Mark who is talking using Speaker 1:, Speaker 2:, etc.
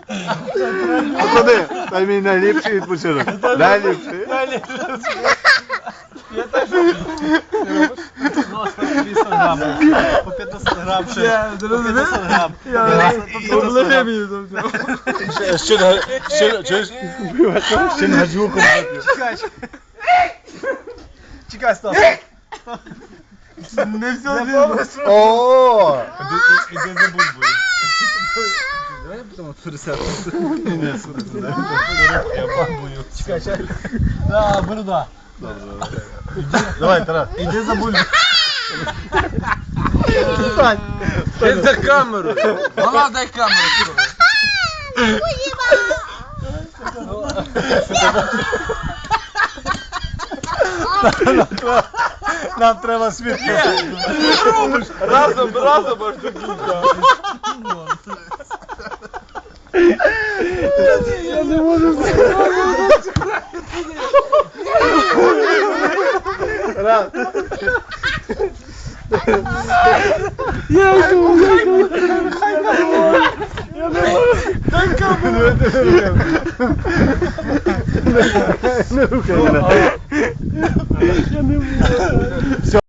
Speaker 1: Panowie, daj mi najlepszy odpoczynek. Najlepszy.
Speaker 2: Ja też no, ostatnio 100 gram. Po 15 gram przez. Po 15 gram.
Speaker 3: W ogóle nie wiem.
Speaker 1: Ще на звуку.
Speaker 2: Чекай, стоп.
Speaker 3: Не все.
Speaker 1: О!
Speaker 2: Іди за бульбою.
Speaker 3: Давай я потом пересяду.
Speaker 2: Ні, слухай, я бабую. Чекай. Да, борода.
Speaker 1: Давай, Тарас.
Speaker 2: Іди за бульбою.
Speaker 1: Стань.
Speaker 3: Я за камеру. Мала, дай камеру.
Speaker 1: Нам треба світло.
Speaker 3: Разом аж до кінця. Я не можу
Speaker 1: Раз.
Speaker 3: Дай камеру.
Speaker 1: Не рухай мене.
Speaker 3: Я не можу.